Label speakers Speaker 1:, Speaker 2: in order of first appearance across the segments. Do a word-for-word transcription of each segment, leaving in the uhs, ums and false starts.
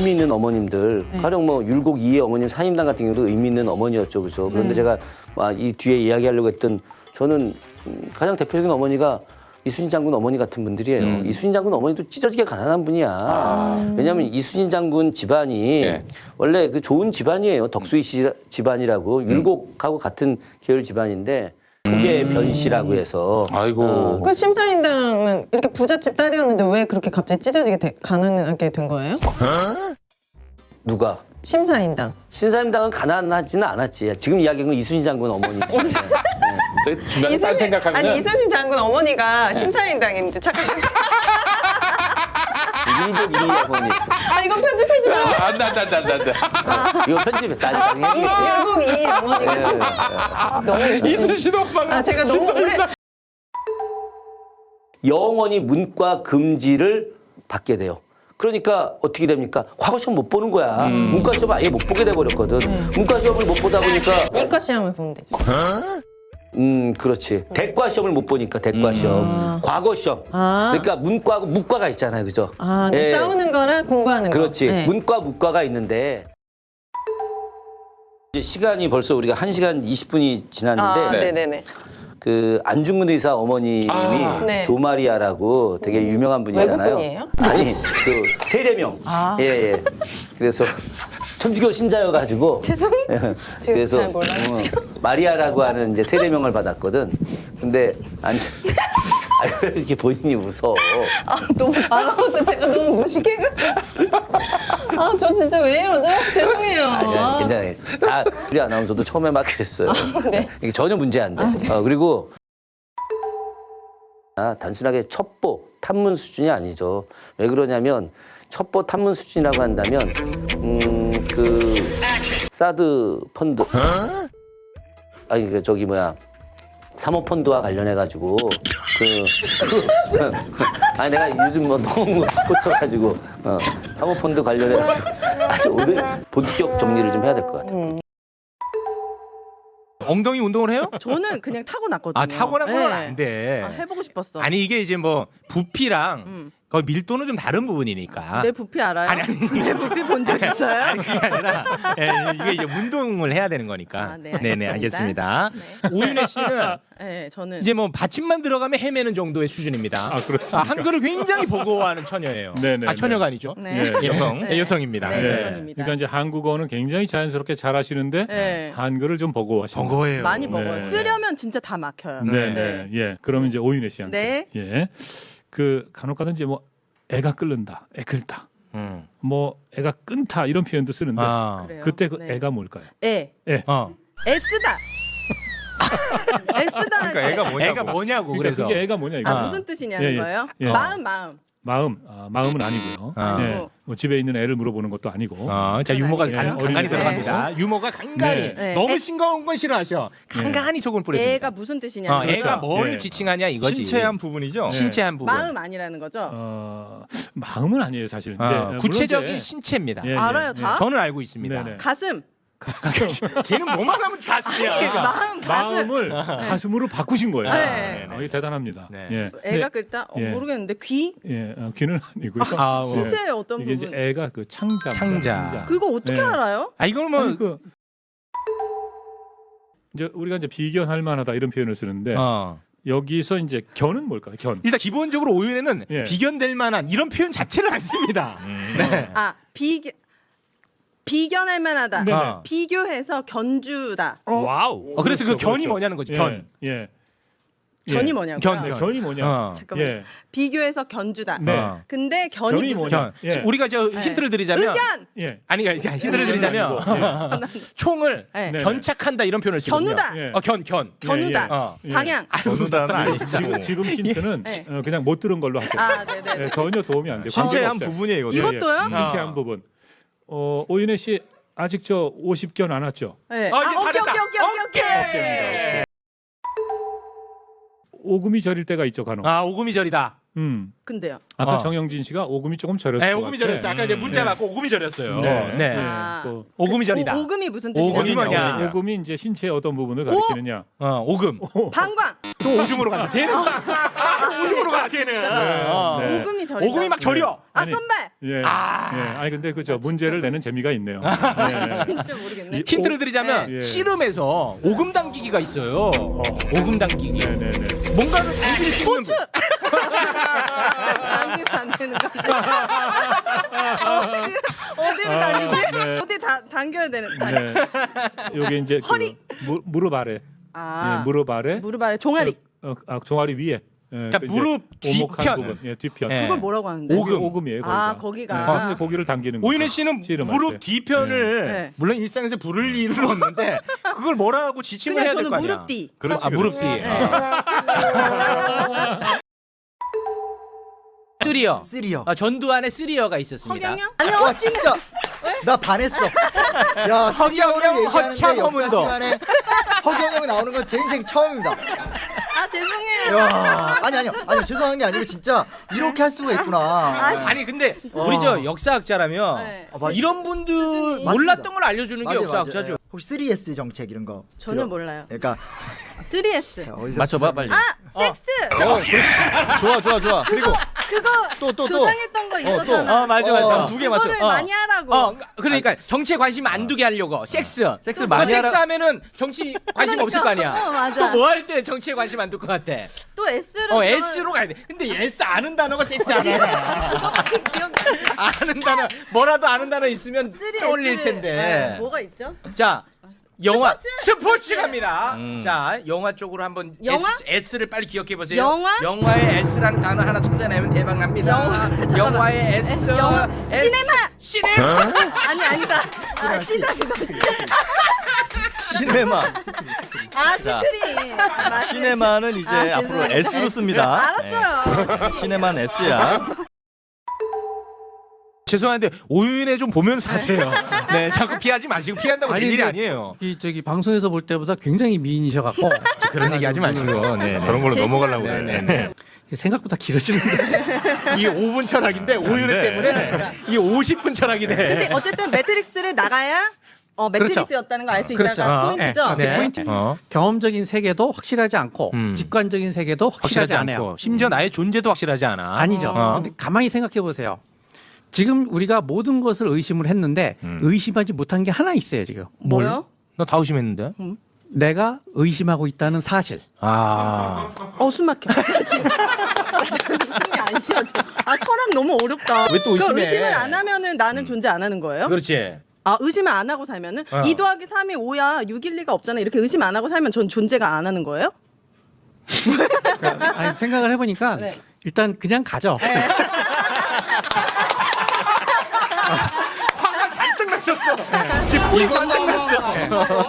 Speaker 1: 의미 있는 어머님들,
Speaker 2: 네.
Speaker 1: 가령 뭐 율곡 이의 어머님 사임당 같은 경우도 의미 있는 어머니였죠, 그죠? 그런데
Speaker 2: 네.
Speaker 1: 제가 막 이 뒤에 이야기하려고 했던 저는 음, 가장 대표적인 어머니가 이순신 장군 어머니 같은 분들이에요.
Speaker 3: 음.
Speaker 1: 이순신 장군 어머니도 찢어지게 가난한 분이야.
Speaker 3: 아.
Speaker 1: 왜냐하면 이순신 장군 집안이
Speaker 3: 네.
Speaker 1: 원래 그 좋은 집안이에요. 덕수이 씨 집안이라고
Speaker 3: 음.
Speaker 1: 율곡하고 같은 계열 집안인데 조계 변씨라고 해서
Speaker 3: 아이고.
Speaker 1: 어,
Speaker 2: 그 심사인당은 이렇게 부잣집 딸이었는데 왜 그렇게 갑자기 찢어지게 돼, 가난하게 된 거예요?
Speaker 1: 누가?
Speaker 2: 심사인당.
Speaker 1: 신사임당은 가난하지는 않았지. 지금 이야기한 건 이순신 장군 어머니지.
Speaker 3: 저희 중간에 딴 생각하면
Speaker 2: 아니 이순신 장군 어머니가 심사인당인 줄 착각했어.
Speaker 1: 율곡 이의 어머니.
Speaker 2: 아 이건 편집해주면 안 돼.
Speaker 3: 안돼 안돼 안돼 안돼.
Speaker 1: 이거 편집해. 나중에
Speaker 2: 이
Speaker 1: 해주겠어요.
Speaker 2: 율곡 이 어머니가 심... 너무
Speaker 3: 이순신 오빠가
Speaker 2: 아 제가 너무 오래
Speaker 1: 영원히 문과 금지를 받게 돼요. 그러니까 어떻게 됩니까? 과거 시험 못 보는 거야. 문과 시험 아예 못 보게 돼 버렸거든. 문과 시험을 못 보다 보니까
Speaker 2: 이과 시험을 보면 되죠.
Speaker 1: 음 그렇지. 대과 시험을 못 보니까 대과 시험, 과거 시험.
Speaker 2: 아.
Speaker 1: 그러니까 문과하고 무과가 있잖아요, 그죠?
Speaker 2: 아, 네.
Speaker 1: 예.
Speaker 2: 싸우는 거랑 공부하는 거.
Speaker 1: 그렇지.
Speaker 2: 네.
Speaker 1: 문과, 무과가 있는데 이제 시간이 벌써 우리가 한 시간 이십 분이 지났는데
Speaker 2: 아,
Speaker 3: 네.
Speaker 2: 네네네.
Speaker 1: 그 안중근 의사 어머님이
Speaker 3: 아,
Speaker 2: 네.
Speaker 1: 조마리아라고 되게 유명한 분이잖아요.
Speaker 2: 외국분이에요?
Speaker 1: 아니 그 세례명.
Speaker 2: 아.
Speaker 1: 예 예. 그래서 천주교 신자여가지고.
Speaker 2: 죄송해요.
Speaker 1: 예.
Speaker 2: 제가
Speaker 1: 그래서
Speaker 2: 잘 몰라가지고.
Speaker 1: 어, 마리아라고 하는 이제 세례명을 받았거든. 근데 안 아, 왜 이렇게 본인이 웃어?
Speaker 2: 아, 너무 아까부터 제가 너무 무식해가지고. 아, 저 진짜 왜 이러죠? 죄송해요.
Speaker 1: 아니야, 괜찮아요. 다 우리 아나운서도 처음에 막 그랬어요.
Speaker 2: 네.
Speaker 1: 이게 전혀 문제 안 돼. 어, 그리고 아, 단순하게 첩보 탐문 수준이 아니죠. 왜 그러냐면 첩보 탐문 수준이라고 한다면 음, 그 사드 펀드 아니 그 저기 뭐야 사모펀드와 관련해 가지고 그, 그 아니 내가 요즘 뭐 너무 꽂혀가지고 어, 사모펀드 관련해 가지고 아주 오늘 본격 정리를 좀 해야 될 것 같아요.
Speaker 4: 엉덩이 운동을 해요?
Speaker 5: 저는 그냥 타고났거든요.
Speaker 4: 아 타고난 건
Speaker 5: 네.
Speaker 4: 안 돼.
Speaker 5: 아, 해보고 싶었어.
Speaker 4: 아니 이게 이제 뭐 부피랑
Speaker 5: 음.
Speaker 4: 거의 밀도는 좀 다른 부분이니까.
Speaker 5: 내 부피 알아요?
Speaker 4: 아니, 아니.
Speaker 5: 내 부피 본 적 있어요?
Speaker 4: 아니 그게 아니라 예, 이게 이제 운동을 해야 되는 거니까.
Speaker 5: 아, 네,
Speaker 4: 네네
Speaker 5: 알겠습니다.
Speaker 4: 알겠습니다. 오윤혜 씨는
Speaker 5: 네, 저는
Speaker 4: 이제 뭐 받침만 들어가면 헤매는 정도의 수준입니다.
Speaker 6: 아, 그렇습니까?
Speaker 4: 아, 한글을 굉장히 버거워하는 처녀예요.
Speaker 6: 네네,
Speaker 4: 아 처녀가
Speaker 6: 네.
Speaker 4: 아니죠?
Speaker 5: 네.
Speaker 6: 예.
Speaker 4: 여성,
Speaker 5: 네.
Speaker 4: 예, 여성입니다.
Speaker 5: 네.
Speaker 4: 네.
Speaker 5: 여성입니다.
Speaker 6: 그러니까 이제 한국어는 굉장히 자연스럽게 잘하시는데
Speaker 5: 네.
Speaker 6: 한글을 좀 버거워하시는.
Speaker 4: 버거워요.
Speaker 5: 많이 먹어요.
Speaker 6: 네.
Speaker 5: 쓰려면 진짜 다 막혀요.
Speaker 6: 네,
Speaker 4: 네.
Speaker 6: 네, 예. 그러면 이제 오윤혜 씨한테.
Speaker 5: 네.
Speaker 6: 예. 그 간혹가다 이제 뭐 애가 끓는다, 애 끓다,
Speaker 4: 음.
Speaker 6: 뭐 애가 끈다 이런 표현도 쓰는데
Speaker 4: 아.
Speaker 5: 그래요?
Speaker 6: 그때 그
Speaker 5: 네.
Speaker 6: 애가 뭘까요?
Speaker 5: 애.
Speaker 6: 애.
Speaker 4: 어.
Speaker 5: 애쓰다. 애쓰다.
Speaker 3: 그러니까 애가 뭐냐고.
Speaker 4: 애가 뭐냐고
Speaker 6: 그러니까
Speaker 4: 그래서.
Speaker 6: 그게 애가 뭐냐 이거.
Speaker 5: 아,
Speaker 4: 아.
Speaker 5: 무슨 뜻이냐는
Speaker 6: 예, 예.
Speaker 5: 거예요?
Speaker 6: 예.
Speaker 5: 마음, 마음.
Speaker 6: 마음, 아, 마음은 아니고요.
Speaker 4: 아.
Speaker 6: 예. 뭐 집에 있는 애를 물어보는 것도 아니고.
Speaker 4: 어, 자 유머가
Speaker 5: 아니겠죠?
Speaker 4: 간,
Speaker 6: 예,
Speaker 4: 간간히
Speaker 6: 어린이
Speaker 4: 들어갑니다. 유머가 간간히
Speaker 6: 네.
Speaker 5: 네.
Speaker 4: 너무
Speaker 5: 애-
Speaker 4: 싱거운 건 싫어하셔. 간간히 소금 뿌려줍니다.
Speaker 5: 애가 무슨 뜻이냐는
Speaker 4: 어,
Speaker 5: 거죠.
Speaker 4: 애가 뭐를
Speaker 6: 예.
Speaker 4: 지칭하냐 이거지.
Speaker 3: 신체 한 부분이죠.
Speaker 6: 네.
Speaker 4: 신체 한 부분.
Speaker 5: 마음 아니라는 거죠?
Speaker 6: 어, 마음은 아니에요 사실은.
Speaker 4: 어,
Speaker 6: 이제, 물론
Speaker 4: 구체적인
Speaker 6: 이제-
Speaker 4: 신체입니다.
Speaker 6: 예, 예,
Speaker 5: 알아요,
Speaker 6: 예.
Speaker 5: 다?
Speaker 4: 저는 알고 있습니다.
Speaker 6: 네네.
Speaker 5: 가슴.
Speaker 4: 쟤는 뭐만 하면 가슴이야.
Speaker 5: 아니, 마음, 가슴.
Speaker 6: 마음을 가슴으로 바꾸신 거예요.
Speaker 5: 네.
Speaker 6: 아, 이게 대단합니다.
Speaker 4: 네.
Speaker 6: 예.
Speaker 5: 애가 끓다? 어,
Speaker 6: 예.
Speaker 5: 모르겠는데 귀?
Speaker 6: 예, 어, 귀는 아니고요.
Speaker 4: 아, 뭐.
Speaker 5: 신체의 어떤
Speaker 6: 이게
Speaker 5: 부분?
Speaker 6: 이제 애가 그 창자.
Speaker 4: 창자.
Speaker 5: 그거 어떻게
Speaker 6: 네.
Speaker 5: 알아요?
Speaker 4: 아 이걸 뭐
Speaker 6: 아니, 그 이제 우리가 이제 비견할 만하다 이런 표현을 쓰는데
Speaker 4: 어.
Speaker 6: 여기서 이제 견은 뭘까요? 견.
Speaker 4: 일단 기본적으로 오윤에는
Speaker 6: 예.
Speaker 4: 비견될 만한 이런 표현 자체를 안 씁니다. 네.
Speaker 5: 아, 비견 비견할 만하다.
Speaker 6: 네.
Speaker 4: 아.
Speaker 5: 비교해서 견주다.
Speaker 4: 와우. 어, 그래서 그
Speaker 6: 그렇죠,
Speaker 4: 견이
Speaker 6: 그렇죠.
Speaker 4: 뭐냐는 거지.
Speaker 6: 예,
Speaker 4: 견.
Speaker 6: 예.
Speaker 5: 견이
Speaker 6: 예.
Speaker 5: 뭐냐고요?
Speaker 4: 견,
Speaker 6: 네,
Speaker 4: 견.
Speaker 6: 견이 뭐냐?
Speaker 4: 어.
Speaker 5: 잠깐만요.
Speaker 6: 예.
Speaker 5: 비교해서 견주다.
Speaker 6: 네.
Speaker 4: 어.
Speaker 5: 근데 견이,
Speaker 6: 견이
Speaker 5: 무슨
Speaker 6: 뭐냐?
Speaker 4: 견.
Speaker 6: 예.
Speaker 4: 우리가 저 힌트를 드리자면
Speaker 5: 의견
Speaker 6: 예.
Speaker 4: 아니 그러니까 힌트를 드리자면
Speaker 6: 아니고,
Speaker 4: 총을
Speaker 5: 네.
Speaker 6: 네.
Speaker 4: 견착한다 이런 표현을 쓰거든요.
Speaker 5: 견우다.
Speaker 6: 예.
Speaker 4: 어, 견, 견.
Speaker 5: 견우다.
Speaker 6: 예,
Speaker 4: 어.
Speaker 6: 예.
Speaker 5: 방향.
Speaker 3: 견우다는 아니죠.
Speaker 6: 지금 지금 힌트는
Speaker 5: 네.
Speaker 6: 어, 그냥 못 들은 걸로 할게요.
Speaker 5: 아, 네, 네.
Speaker 6: 예, 전혀 도움이 안 되고.
Speaker 3: 신체의 한
Speaker 6: 없어요.
Speaker 3: 부분이에요. 이거.
Speaker 6: 예, 예.
Speaker 5: 이것도요?
Speaker 6: 신체 한 부분. 어, 오윤혜 씨 아직 저 오십 견 안 왔죠?
Speaker 5: 네.
Speaker 4: 어, 이제
Speaker 5: 아, 오케이,
Speaker 4: 잘했다.
Speaker 5: 오케이, 오케이, 오케이, 오케이.
Speaker 6: 오금이 저릴 때가 있죠, 간혹.
Speaker 4: 아 오금이 절이다.
Speaker 6: 음.
Speaker 5: 근데요.
Speaker 6: 아까
Speaker 4: 어.
Speaker 6: 정영진 씨가 오금이 조금 저렸어요.
Speaker 4: 네, 오금이 절였어요. 아까 이제 문자 받고 오금이 절였어요.
Speaker 6: 네.
Speaker 4: 네.
Speaker 6: 네.
Speaker 5: 아.
Speaker 6: 또
Speaker 4: 오금이 절이다.
Speaker 5: 오, 오금이 무슨
Speaker 4: 오금이
Speaker 5: 뜻이냐면
Speaker 4: 뭐냐?
Speaker 6: 오금이 이제 신체의 어떤 부분을 가리키느냐?
Speaker 4: 어, 오금.
Speaker 5: 방광.
Speaker 4: 또 오줌으로 간다. 쟤는 막 오줌으로 가 쟤는. 어.
Speaker 6: 네.
Speaker 5: 오금이 저리.
Speaker 4: 오금이 막 저려.
Speaker 5: 아
Speaker 6: 아니,
Speaker 5: 손발.
Speaker 6: 예.
Speaker 4: 아.
Speaker 6: 예. 아니 근데 그죠 문제를 내는 재미가 있네요. 네.
Speaker 5: 진짜 모르겠네.
Speaker 6: 이-
Speaker 4: 힌트를 드리자면
Speaker 6: 네.
Speaker 4: 씨름에서 오금 당기기가 있어요. 오금 당기기.
Speaker 6: 네네네.
Speaker 4: 뭔가를 당길 수 있는.
Speaker 5: 당기면 안 되는 거지. 어디를, 어디를
Speaker 6: 아,
Speaker 5: 당기지?
Speaker 6: 네.
Speaker 5: 어디 다 당겨야 되는. 거
Speaker 6: 네. 요게 이제 그
Speaker 5: 허리.
Speaker 6: 무, 무릎 아래.
Speaker 5: 아
Speaker 6: 예, 무릎 아래.
Speaker 5: 무릎 아래 종아리.
Speaker 6: 어, 어, 아, 종아리 위에. 예,
Speaker 4: 그러니까
Speaker 6: 그 이제
Speaker 4: 무릎
Speaker 6: 오목한
Speaker 4: 뒤편.
Speaker 6: 부분. 예, 뒤편.
Speaker 4: 네.
Speaker 5: 그걸 뭐라고 하는데?
Speaker 6: 오금.
Speaker 4: 오금.
Speaker 6: 오금이에요. 거기가.
Speaker 5: 아, 거기가.
Speaker 6: 네, 가슴에 고기를 당기는 거.
Speaker 4: 오윤혜 씨는 무릎 뒤편을
Speaker 5: 네.
Speaker 4: 물론 일상에서 부를 일은 없는데 그걸 뭐라고 지칭을
Speaker 5: 그냥
Speaker 4: 해야 될
Speaker 5: 저는
Speaker 4: 거 아니야.
Speaker 5: 무릎 뒤.
Speaker 3: 그렇지.
Speaker 4: 아, 무릎 뒤.
Speaker 5: 네.
Speaker 4: 아. 쓰리어.
Speaker 7: 쓰리요.
Speaker 4: 아, 전두환의 쓰리어가 있었습니다.
Speaker 5: 허경영? 아니요.
Speaker 7: 와 진짜 나 반했어. 야
Speaker 4: 허경영,
Speaker 7: 쓰리어를
Speaker 4: 허참
Speaker 7: 얘기하는데 역사
Speaker 4: 허문도.
Speaker 7: 시간에 허경영 나오는 건 제 인생 처음입니다.
Speaker 5: 아 죄송해요.
Speaker 7: 야 아니 아니요 아니요 죄송한 게 아니고 진짜 이렇게 할 수가 있구나.
Speaker 4: 아니 근데 우리 저 역사학자라면
Speaker 5: 네.
Speaker 7: 어, 맞-
Speaker 4: 이런 분들
Speaker 5: 수준이-
Speaker 4: 몰랐던 걸 알려주는 게
Speaker 7: 맞아요,
Speaker 4: 역사학자죠.
Speaker 7: 맞아요. 혹시 쓰리 에스 정책 이런 거
Speaker 5: 전혀
Speaker 7: 들어-
Speaker 5: 몰라요.
Speaker 7: 그러니까
Speaker 5: 쓰리 에스.
Speaker 7: 자, 어디서
Speaker 4: 맞춰봐 빨리.
Speaker 5: 아 섹스.
Speaker 3: 좋아 좋아 좋아.
Speaker 5: 그리고 그거
Speaker 3: 또, 또, 또.
Speaker 5: 조장했던 거 있었잖아.
Speaker 4: 어 맞아
Speaker 7: 어,
Speaker 4: 맞아.
Speaker 3: 두 개 맞춰.
Speaker 5: 그거를
Speaker 4: 어.
Speaker 5: 많이 하라고.
Speaker 4: 어 그러니까 정치에 관심 안 두게 하려고 섹스.
Speaker 3: 섹스
Speaker 4: 어,
Speaker 3: 많이
Speaker 4: 섹스
Speaker 3: 하라.
Speaker 4: 하면은 정치 관심
Speaker 5: 그러니까.
Speaker 4: 없을 거 아니야.
Speaker 5: 어, 맞아.
Speaker 4: 또 뭐 할 때 정치에 관심 안 둘 것 같아.
Speaker 5: 또 S를.
Speaker 4: 어 S로 가야 돼. 근데 S 아는 단어가 섹스 아니야.
Speaker 5: 그거밖에 기억이 안 나.
Speaker 4: 아는 단어 뭐라도 아는 단어 있으면
Speaker 5: 쓰리
Speaker 4: 떠올릴
Speaker 5: S를-
Speaker 4: 텐데.
Speaker 5: 네, 뭐가 있죠?
Speaker 4: 자 영화 스포츠, 갑니다.
Speaker 3: 음.
Speaker 4: 자 영화 쪽으로 한번
Speaker 5: 영화?
Speaker 4: S, S를 빨리 기억해 보세요.
Speaker 5: 영화?
Speaker 4: 영화의 S라는 단어 하나 찾아내면 대박 납니다.
Speaker 5: 영화, 잠깐만.
Speaker 4: 영화의 S.
Speaker 5: S, 영화.
Speaker 4: S.
Speaker 5: 시네마!
Speaker 4: 시네마.
Speaker 5: 아니 아니다. 아 시다 그다.
Speaker 3: 시네마.
Speaker 5: 아 스크린. 아, 맞네.
Speaker 3: 시네마는 이제
Speaker 5: 아,
Speaker 3: 앞으로
Speaker 5: 죄송해요.
Speaker 3: S로 씁니다.
Speaker 5: 알았어요.
Speaker 3: 네. 시네마는 S야.
Speaker 4: 죄송한데 오윤회 좀 보면서 하세요. 네, 자꾸 피하지 마시고 피한다고 될
Speaker 8: 아니,
Speaker 4: 일이
Speaker 8: 근데
Speaker 4: 아니에요.
Speaker 8: 이 저기 방송에서 볼 때보다 굉장히 미인이셔갖고
Speaker 4: 그런 얘기 하지 마시고. 네,
Speaker 3: 저런 걸로 넘어가려고
Speaker 4: 네,
Speaker 3: 그래.
Speaker 4: 네, 네.
Speaker 8: 생각보다 길어지는데
Speaker 4: 이게 오 분 철학인데 오윤회
Speaker 3: 네.
Speaker 4: 때문에 이게 오십 분 철학이 돼.
Speaker 5: 근데 어쨌든 매트릭스를 나가야 어 매트릭스였다는 걸 알 수
Speaker 4: 그렇죠.
Speaker 5: 있다가
Speaker 4: 어,
Speaker 5: 포인트죠.
Speaker 4: 네.
Speaker 8: 포인트.
Speaker 4: 어.
Speaker 8: 경험적인 세계도 확실하지 않고
Speaker 4: 음.
Speaker 8: 직관적인 세계도 확실하지,
Speaker 4: 확실하지
Speaker 8: 않아요.
Speaker 4: 않고 심지어 나의 존재도 확실하지 않아.
Speaker 8: 아니죠.
Speaker 4: 어.
Speaker 8: 근데 가만히 생각해 보세요. 지금 우리가 모든 것을 의심을 했는데
Speaker 4: 음.
Speaker 8: 의심하지 못한 게 하나 있어요 지금.
Speaker 5: 뭐요?
Speaker 4: 나 다 의심했는데.
Speaker 8: 내가 의심하고 있다는 사실.
Speaker 4: 아.
Speaker 5: 어 숨 막혀. 숨이 안 쉬어져. 아 철학 너무 어렵다.
Speaker 4: 왜또 의심해?
Speaker 5: 그 의심을 안 하면은 나는 존재 안 하는 거예요?
Speaker 4: 그렇지.
Speaker 5: 아 의심을 안 하고 살면은
Speaker 4: 어.
Speaker 5: 이 더하기 삼이 오야 육일리가 없잖아. 이렇게 의심 안 하고 살면 전 존재가 안 하는 거예요?
Speaker 8: 아니, 생각을 해보니까
Speaker 5: 네.
Speaker 8: 일단 그냥 가죠.
Speaker 4: 화가 잔뜩 났었어. 지금 불이 잔뜩 났어.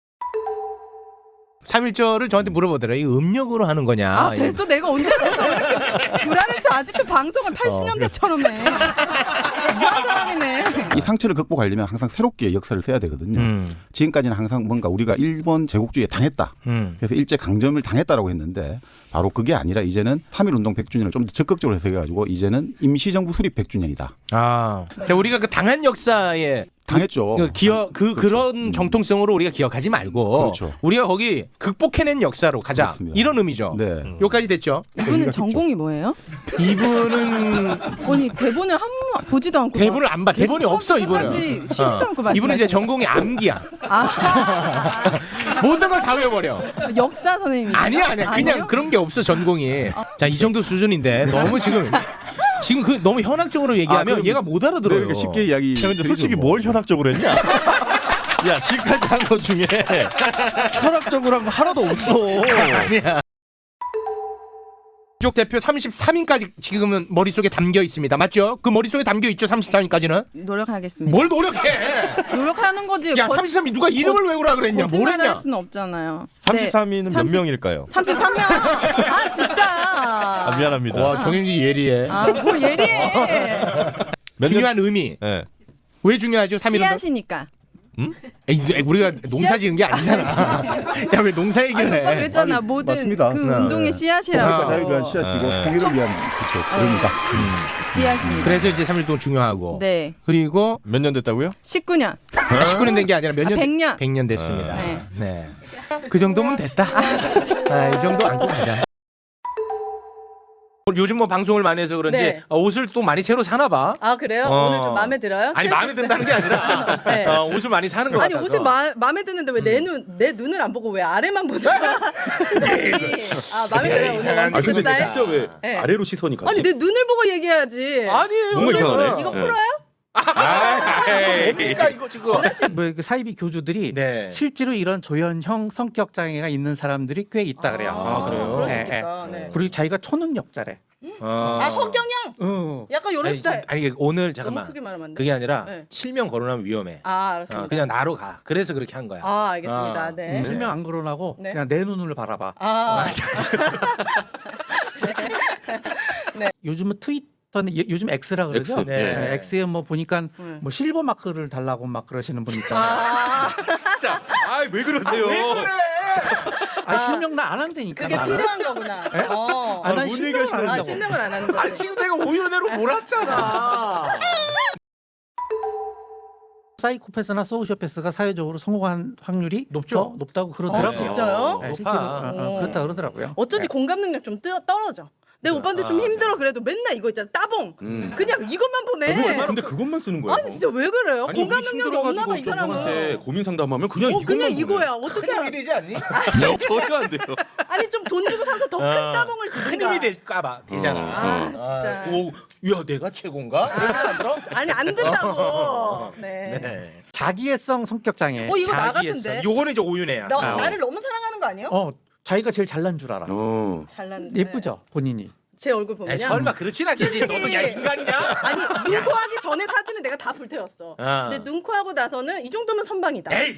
Speaker 4: 삼일절을 저한테 물어보더라. 이 음력으로 하는 거냐?
Speaker 5: 아 됐어 내가 언제 그랬어? 이렇게 불안을 쳐 아직도 방송을 팔십 년대처럼 해. 이상한 사람이네.
Speaker 9: 이 상처를 극복하려면 항상 새롭게 역사를 써야 되거든요.
Speaker 4: 음.
Speaker 9: 지금까지는 항상 뭔가 우리가 일본 제국주의에 당했다.
Speaker 4: 음.
Speaker 9: 그래서 일제 강점을 당했다라고 했는데 바로 그게 아니라 이제는 삼일운동 백 주년을 좀 더 적극적으로 해석해가지고 이제는 임시정부 수립 백 주년이다.
Speaker 4: 아, 자 우리가 그 당한 역사에
Speaker 9: 당했죠.
Speaker 4: 그 기억 그 그런 정통성으로 우리가 기억하지 말고
Speaker 9: 그렇죠.
Speaker 4: 우리가 거기 극복해낸 역사로 가자
Speaker 9: 그렇습니다.
Speaker 4: 이런 의미죠.
Speaker 9: 네.
Speaker 4: 여기까지 됐죠.
Speaker 5: 이분은 전공이 뭐예요?
Speaker 4: 이분은
Speaker 5: 아니 대본을 한 번 보지도 않고
Speaker 4: 대본을 안 봐. 대본이 없어 이분은.
Speaker 5: 끝까지 쉬지도 않고 말씀하시는
Speaker 4: 이분은 이제 전공이 암기야.
Speaker 5: 아
Speaker 4: 모든 걸 다 외워버려.
Speaker 5: 역사 선생님
Speaker 4: 아니야 아니야. 그냥 그런 게 없어 전공이. 자 이 정도 수준인데 너무 지금 지금 그 너무 현학적으로 얘기하면
Speaker 9: 그럼-
Speaker 4: 얘가 못 알아들어요.
Speaker 9: 그러니까 쉽게 이야기.
Speaker 3: 야, 근데 솔직히 뭘 현학적으로 했냐? 야, 지금까지 한 것 중에 현학적으로 한 거 하나도 없어.
Speaker 4: 아니야. 쪽 대표 삼십삼 인까지 지금은 머릿속에 담겨 있습니다. 맞죠? 그 머릿속에 담겨 있죠. 삼십삼 인까지는.
Speaker 5: 노력하겠습니다.
Speaker 4: 뭘 노력해?
Speaker 5: 노력하는 거지.
Speaker 4: 야,
Speaker 5: 거-
Speaker 4: 삼십삼 인 누가 이름을 외우라 그랬냐? 뭘
Speaker 5: 거짓말을
Speaker 4: 했냐?
Speaker 5: 할 수는 없잖아요.
Speaker 3: 삼십삼 인은 몇
Speaker 5: 삼십
Speaker 3: 명일까요?
Speaker 5: 삼십삼 명. 아 진짜.
Speaker 3: 아, 미안합니다.
Speaker 4: 와, 정영진 예리해.
Speaker 5: 아뭘 예리해.
Speaker 3: 몇 년-
Speaker 4: 중요한 의미.
Speaker 3: 네.
Speaker 4: 왜 중요하죠? 삼 일운동?
Speaker 5: 씨앗이니까.
Speaker 4: 에이, 우리가 농사 지은 게 아니잖아. 야, 왜 농사
Speaker 5: 아니
Speaker 4: 얘기를
Speaker 5: 오빠
Speaker 4: 해?
Speaker 5: 그랬잖아.
Speaker 9: 아니,
Speaker 5: 모든
Speaker 9: 맞습니다.
Speaker 5: 그
Speaker 4: 네.
Speaker 5: 운동의 씨앗이라고.
Speaker 4: 그러니까
Speaker 9: 자유를 위한 씨앗이고
Speaker 3: 네.
Speaker 9: 통일을 위한 그렇죠. 그러니까.
Speaker 5: 씨앗입니다.
Speaker 4: 그래서 이제 삼 일동 중요하고.
Speaker 5: 네.
Speaker 4: 그리고
Speaker 3: 몇 년 됐다고요?
Speaker 5: 십구 년.
Speaker 4: 아, 십구 년 된 게 아니라 몇
Speaker 5: 아,
Speaker 4: 년?
Speaker 5: 백 년.
Speaker 4: 백 년 됐습니다.
Speaker 5: 네.
Speaker 4: 네. 그 정도면 됐다. 아, 이 정도 안고 가자. 요즘 뭐 방송을 많이 해서 그런지
Speaker 2: 네.
Speaker 4: 어, 옷을 또 많이 새로 사나 봐.
Speaker 2: 아 그래요?
Speaker 4: 어.
Speaker 2: 오늘 좀 마음에 들어요?
Speaker 4: 아니 마음에 든다는 게 아니라
Speaker 2: 네.
Speaker 4: 어, 옷을 많이 사는 거
Speaker 2: 아니
Speaker 4: 같아서.
Speaker 2: 옷이 마, 마음에 드는데 왜 내 눈 내 눈을 안 보고 왜 아래만 보죠? 시선이 아 마음에
Speaker 4: 야,
Speaker 2: 들어요 오늘
Speaker 4: 이상한
Speaker 2: 원피스
Speaker 4: 게
Speaker 2: 스타일.
Speaker 4: 진짜
Speaker 10: 왜
Speaker 2: 네.
Speaker 10: 아래로 시선이 가지?
Speaker 2: 아니 내 눈을 보고 얘기해야지.
Speaker 4: 아니에요.
Speaker 10: 뭔가 이상하네.
Speaker 2: 이거
Speaker 10: 네.
Speaker 2: 풀어요?
Speaker 4: 뭡니까 이거 지금?
Speaker 8: 뭐그 사이비 교주들이
Speaker 4: 네.
Speaker 8: 실제로 이런 조현형 성격 장애가 있는 사람들이 꽤 있다 그래요.
Speaker 4: 아, 그래요?
Speaker 2: 그럴 수
Speaker 8: 예,
Speaker 2: 있겠다. 네.
Speaker 8: 그리고 자기가 초능력자래.
Speaker 4: 어.
Speaker 2: 아 허경영
Speaker 8: 어.
Speaker 2: 약간 요런
Speaker 4: 아니,
Speaker 2: 스타일.
Speaker 4: 아니 이게 오늘
Speaker 2: 너무
Speaker 4: 잠깐만.
Speaker 2: 크게 말하면 안 돼.
Speaker 4: 그게 아니라
Speaker 2: 네.
Speaker 4: 실명 거론하면 위험해.
Speaker 2: 아 알았습니다.
Speaker 4: 어, 그냥 나로 가. 그래서 그렇게 한 거야.
Speaker 2: 아 알겠습니다.
Speaker 4: 아.
Speaker 2: 네.
Speaker 8: 음, 실명 안 거론하고
Speaker 2: 네.
Speaker 8: 그냥 내 눈을 바라봐.
Speaker 2: 아
Speaker 8: 요즘은 트위터는 예- 요즘 X라 그러죠.
Speaker 10: X,
Speaker 4: 네.
Speaker 8: 네, X에 뭐 보니까
Speaker 2: 네.
Speaker 8: 뭐 실버 마크를 달라고 막 그러시는 분 있잖아요.
Speaker 2: 아,
Speaker 10: 진짜. 아왜 그러세요?
Speaker 8: 아, 실명 나 안 한다니까.
Speaker 2: 그게
Speaker 8: 나는.
Speaker 2: 필요한 거구나. 어.
Speaker 8: 아, 난
Speaker 10: 뭔
Speaker 8: 실명을
Speaker 10: 얘기하시는
Speaker 8: 안
Speaker 2: 아
Speaker 8: 한다고.
Speaker 2: 실명을 안 하는
Speaker 4: 아
Speaker 2: 거지.
Speaker 4: 지금 내가 오연애로 몰았잖아.
Speaker 8: 사이코패스나 소시오패스가 사회적으로 성공한 확률이
Speaker 4: 높죠.
Speaker 8: 더 높다고 그러더라고요.
Speaker 2: 어, 진짜요?
Speaker 8: 네,
Speaker 4: 높아.
Speaker 8: 실제로 어, 어,
Speaker 2: 어.
Speaker 8: 그렇다 그러더라고요.
Speaker 2: 어쩐지 공감 능력 좀 뜨, 떨어져. 내 오빠한테 좀
Speaker 4: 아,
Speaker 2: 힘들어 그래도 맨날 이거 있잖아 따봉.
Speaker 10: 음.
Speaker 2: 그냥 이것만 보내.
Speaker 10: 어, 근데 그것만 쓰는 거예요.
Speaker 2: 아니 진짜 왜 그래요?
Speaker 10: 아니,
Speaker 2: 공감
Speaker 10: 우리
Speaker 2: 능력이 없나 봐 이
Speaker 10: 힘들어가지고 좀 형한테
Speaker 2: 사람은.
Speaker 10: 고민 상담하면 그냥
Speaker 2: 어
Speaker 10: 이것만
Speaker 2: 그냥
Speaker 10: 보내.
Speaker 2: 이거야. 어떻게 알아?
Speaker 4: 힘이 되지 않니?
Speaker 10: 전혀 안 돼요.
Speaker 2: 아니 좀 돈 주고 사서 더 큰
Speaker 4: 아,
Speaker 2: 따봉을
Speaker 4: 큰
Speaker 2: 주든가.
Speaker 4: 힘이 될까봐 되잖아.
Speaker 2: 아 진짜.
Speaker 4: 오, 야 내가 최고인가? 이렇게 안 들어?
Speaker 2: 아니 안 된다고. 네.
Speaker 4: 네.
Speaker 8: 자기애성 성격 장애.
Speaker 2: 어 이거 나
Speaker 4: 자기애성.
Speaker 2: 같은데.
Speaker 4: 요거는 이제 오윤애야.
Speaker 2: 나,
Speaker 8: 아,
Speaker 2: 나를 너무 사랑하는 거 아니에요?
Speaker 8: 어, 자기가 제일 잘난 줄 알아.
Speaker 10: 어.
Speaker 2: 잘난.
Speaker 8: 예쁘죠, 본인이.
Speaker 2: 제 얼굴
Speaker 4: 아니,
Speaker 2: 보면요.
Speaker 4: 설마 그렇진 않겠지.
Speaker 2: 솔직히-
Speaker 4: 너도 야 인간이냐?
Speaker 2: 아니 눈코 하기 전에 사진은 내가 다 불태웠어.
Speaker 4: 어.
Speaker 2: 근데 눈코 하고 나서는 이 정도면 선방이다.
Speaker 4: 에이.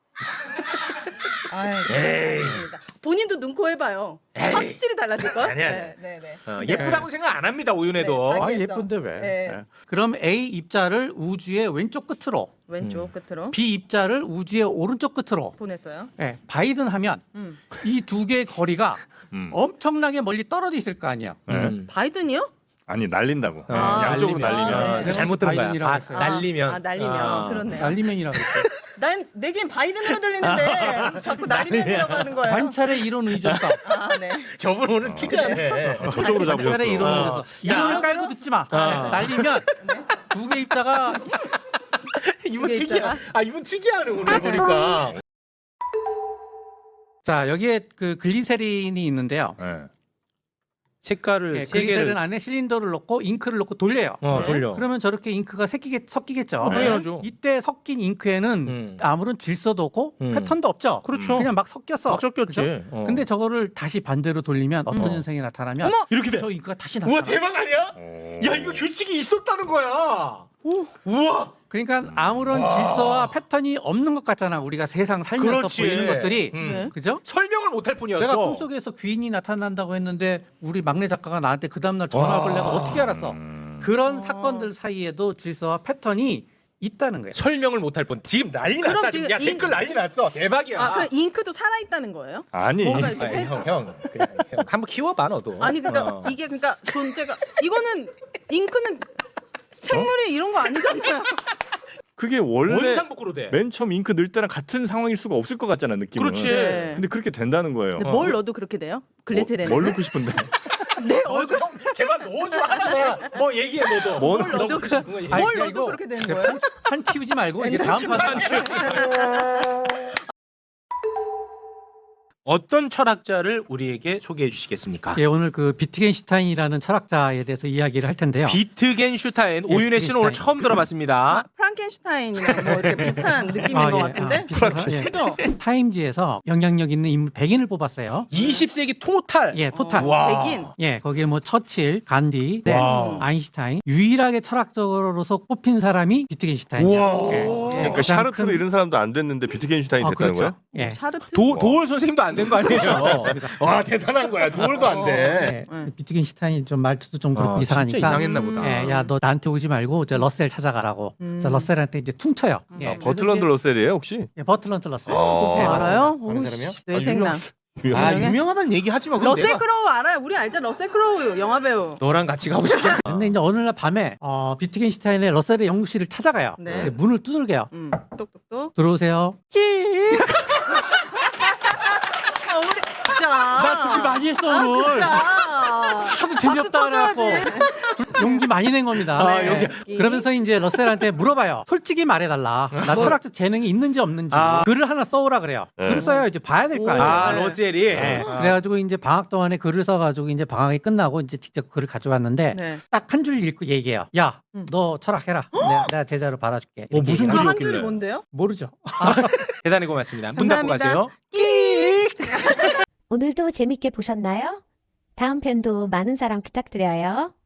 Speaker 2: 아이,
Speaker 4: 에이.
Speaker 2: 알겠습니다. 본인도 눈코 해봐요.
Speaker 4: 에이.
Speaker 2: 확실히 달라질 걸.
Speaker 4: 아니야, 아니야.
Speaker 2: 네, 네, 네.
Speaker 4: 어, 예쁘다고 생각 안 합니다 오윤애도.
Speaker 2: 네,
Speaker 8: 아,
Speaker 2: 자기애성.
Speaker 8: 예쁜데 왜?
Speaker 2: 네.
Speaker 8: 네. 그럼 A 입자를 우주의 왼쪽 끝으로,
Speaker 2: 왼쪽 끝으로
Speaker 8: B 입자를 우주의 오른쪽 끝으로.
Speaker 2: 보냈어요.
Speaker 8: 네, 바이든 하면
Speaker 2: 음.
Speaker 8: 이 두 개의 거리가
Speaker 10: 음.
Speaker 8: 엄청나게 멀리 떨어져 있을 거 아니야.
Speaker 4: 음.
Speaker 2: 바이든이요?
Speaker 10: 아니 날린다고.
Speaker 2: 아,
Speaker 10: 양쪽으로
Speaker 4: 날리면.
Speaker 10: 날리면.
Speaker 2: 아, 네.
Speaker 4: 잘못 들은 거야.
Speaker 8: 바이든이라고
Speaker 4: 아,
Speaker 8: 했어요.
Speaker 4: 날리면.
Speaker 2: 아, 날리면
Speaker 4: 아.
Speaker 2: 그렇네요.
Speaker 8: 날리면이라고 했어요.
Speaker 2: 난 내겐 바이든으로 들리는데 자꾸 날리면이라고 하는 거예요.
Speaker 8: 관찰의 이론 의존성.
Speaker 2: 아, 네.
Speaker 4: 저분 오늘 특이하네.
Speaker 10: 저쪽으로 잡으셨어.
Speaker 8: 관찰의 이론
Speaker 4: 어.
Speaker 8: 의존성. 이론을 깔고 듣지 마.
Speaker 4: 어.
Speaker 8: 날리면 두 개 입자가
Speaker 4: 이분
Speaker 2: 이게
Speaker 4: 특이야.
Speaker 2: 있잖아.
Speaker 4: 아 이분 특이하네 오늘 보니까.
Speaker 8: 자 여기에 그 글리세린이 있는데요.
Speaker 10: 네.
Speaker 4: 색깔을
Speaker 8: 예,
Speaker 4: 세
Speaker 8: 글리세린
Speaker 4: 개를
Speaker 8: 안에 실린더를 넣고 잉크를 넣고 돌려요.
Speaker 4: 어
Speaker 2: 네.
Speaker 4: 돌려.
Speaker 8: 그러면 저렇게 잉크가 섞이겠, 섞이겠죠.
Speaker 4: 어, 당연하죠.
Speaker 8: 이때 섞인 잉크에는
Speaker 4: 음.
Speaker 8: 아무런 질서도 없고
Speaker 4: 음.
Speaker 8: 패턴도 없죠.
Speaker 4: 그렇죠.
Speaker 8: 그냥 막 섞였어.
Speaker 4: 막 섞였지.
Speaker 8: 그죠?
Speaker 4: 어.
Speaker 8: 근데 저거를 다시 반대로 돌리면 어떤
Speaker 4: 어.
Speaker 8: 현상이 나타나면
Speaker 2: 어머!
Speaker 4: 이렇게 돼.
Speaker 8: 저 잉크가 다시 나타나.
Speaker 4: 우와 대박 아니야? 야 이거 규칙이 있었다는 거야. 우와.
Speaker 8: 그러니까 아무런
Speaker 4: 와.
Speaker 8: 질서와 패턴이 없는 것 같잖아. 우리가 세상 살면서
Speaker 4: 그렇지.
Speaker 8: 보이는 것들이.
Speaker 4: 음.
Speaker 2: 네.
Speaker 8: 그죠?
Speaker 4: 설명을 못할 뿐이었어.
Speaker 8: 내가 꿈속에서 귀인이 나타난다고 했는데 우리 막내 작가가 나한테 그 다음날 전화를
Speaker 4: 와.
Speaker 8: 내가 어떻게 알았어?
Speaker 10: 음.
Speaker 8: 그런
Speaker 2: 어.
Speaker 8: 사건들 사이에도 질서와 패턴이 있다는 거예요.
Speaker 4: 설명을 못할 뿐. 지금 난리
Speaker 2: 그럼
Speaker 4: 났다. 지금.
Speaker 2: 지금
Speaker 4: 야
Speaker 2: 이-
Speaker 4: 댓글 난리 났어. 대박이야.
Speaker 2: 아, 그럼 잉크도 살아 있다는 거예요?
Speaker 10: 아니.
Speaker 2: 뭐가 이렇게
Speaker 4: 아니,
Speaker 2: 해-
Speaker 4: 형, 형, 그냥, 형 한번 키워봐 너도.
Speaker 2: 아니 그러니까
Speaker 4: 어.
Speaker 2: 이게 그러니까 존재가 이거는 잉크는 생물이 이런 거 아니잖아요.
Speaker 10: 그게 원래
Speaker 4: 원상복구로 돼.
Speaker 10: 맨 처음 잉크 넣을 때랑 같은 상황일 수가 없을 것 같잖아 느낌은.
Speaker 4: 그렇지.
Speaker 2: 네.
Speaker 10: 근데 그렇게 된다는 거예요.
Speaker 2: 근데 뭘 넣어도 그렇게 돼요? 글리세린.
Speaker 10: 뭘 넣고 싶은데?
Speaker 2: 내
Speaker 4: 어,
Speaker 2: 얼굴
Speaker 4: 형, 제발 넣어줘 하나만. 뭐 얘기해 너도.
Speaker 10: 뭐
Speaker 2: 뭘 넣어도 그,
Speaker 4: 싶은 거 얘기해.
Speaker 8: 아니,
Speaker 2: 뭘
Speaker 8: 그냥
Speaker 2: 넣어도
Speaker 8: 이거
Speaker 2: 그렇게 되는 거예요?
Speaker 8: 판 키우지 말고 이게 다음 판.
Speaker 4: 어떤 철학자를 우리에게 소개해 주시겠습니까?
Speaker 8: 예, 오늘 그 비트겐슈타인이라는 철학자에 대해서 이야기를 할 텐데요.
Speaker 4: 비트겐슈타인.
Speaker 8: 예,
Speaker 4: 오윤혜 씨는 오늘
Speaker 8: 비트겐슈타인.
Speaker 4: 처음 들어봤습니다.
Speaker 2: 아, 프랑켄슈타인이랑 뭐 이렇게 비슷한 느낌인
Speaker 8: 아,
Speaker 2: 것
Speaker 8: 예,
Speaker 2: 같은데.
Speaker 8: 아, 비슷하죠. 예.
Speaker 2: 그죠?
Speaker 8: 타임지에서 영향력 있는 인물 백 인을 뽑았어요.
Speaker 4: 이십 세기 토탈.
Speaker 8: 예, 토탈.
Speaker 2: 어,
Speaker 4: 와.
Speaker 2: 백인.
Speaker 8: 예, 거기에 뭐 처칠, 간디, 네,
Speaker 4: 와.
Speaker 8: 아인슈타인 유일하게 철학적으로서 뽑힌 사람이 비트겐슈타인이에요.
Speaker 4: 우와.
Speaker 8: 예, 예,
Speaker 10: 그러니까
Speaker 8: 가장
Speaker 10: 샤르트르
Speaker 8: 큰-
Speaker 10: 이런 사람도 안 됐는데 비트겐슈타인이
Speaker 8: 아,
Speaker 10: 됐다는
Speaker 8: 그렇죠.
Speaker 10: 거야?
Speaker 8: 예.
Speaker 2: 샤르트.
Speaker 4: 도, 도월 선생님도 안 된 거 아니에요? 와 대단한 거야. 도월도 안 돼.
Speaker 8: 예, 비트겐슈타인이 좀 말투도 좀 그렇고
Speaker 4: 아,
Speaker 8: 이상하니까.
Speaker 4: 진짜 이상했나 보다.
Speaker 8: 예, 야, 너 나한테 오지 말고 저 러셀 찾아가라고.
Speaker 2: 음.
Speaker 8: 그래서 러셀한테 이제 퉁쳐요. 예,
Speaker 10: 아, 버틀런드
Speaker 8: 그래서
Speaker 10: 러셀이에요 혹시?
Speaker 8: 이제- 예, 버틀런드 러셀.
Speaker 2: 어,
Speaker 8: 예,
Speaker 2: 알아요?
Speaker 4: 아는
Speaker 2: 오,
Speaker 4: 사람이요?
Speaker 2: 씨, 뇌생남.
Speaker 4: 아
Speaker 2: 유명해?
Speaker 4: 유명하다는 얘기 하지 마. 그럼
Speaker 2: 러셀
Speaker 4: 내가
Speaker 2: 크로우 알아요? 우리 알죠? 러셀 크로우 영화 배우.
Speaker 4: 너랑 같이 가고 싶지 않아.
Speaker 8: 근데 이제 어느 날 밤에 어, 비트겐슈타인의 러셀의 연구실을 찾아가요.
Speaker 2: 네.
Speaker 8: 근데 문을 두들겨요.
Speaker 2: 음, 똑똑똑.
Speaker 8: 들어오세요. 끼.
Speaker 2: 아, 우리 진짜.
Speaker 8: 나 준비 많이 했어
Speaker 2: 아,
Speaker 8: 오늘.
Speaker 2: 진짜.
Speaker 8: 하도 재미없다 그래갖고 용기 많이 낸 겁니다.
Speaker 4: 아,
Speaker 8: 네. 그러면서 이제 러셀한테 물어봐요. 솔직히 말해달라. 나 철학적 재능이 있는지 없는지.
Speaker 4: 아.
Speaker 8: 글을 하나 써오라 그래요.
Speaker 10: 네.
Speaker 8: 글을 써야 이제 봐야 될 거 아니에요.
Speaker 4: 아,
Speaker 2: 네.
Speaker 4: 러셀이.
Speaker 8: 네.
Speaker 4: 아.
Speaker 8: 그래가지고 이제 방학 동안에 글을 써가지고 이제 방학이 끝나고 이제 직접 글을 가져왔는데
Speaker 2: 네.
Speaker 8: 딱 한 줄 읽고 얘기해요. 야,
Speaker 2: 음.
Speaker 8: 너 철학해라. 내가, 내가 제자로 받아줄게.
Speaker 4: 어,
Speaker 8: 이렇게
Speaker 4: 무슨
Speaker 8: 얘기해요.
Speaker 2: 그 한
Speaker 10: 글이었길래.
Speaker 2: 줄이 뭔데요?
Speaker 8: 모르죠.
Speaker 4: 대단히 고맙습니다. 문 닫고
Speaker 2: 감사합니다.
Speaker 4: 가세요.
Speaker 11: 오늘도 재밌게 보셨나요? 다음 편도 많은 사랑 부탁드려요.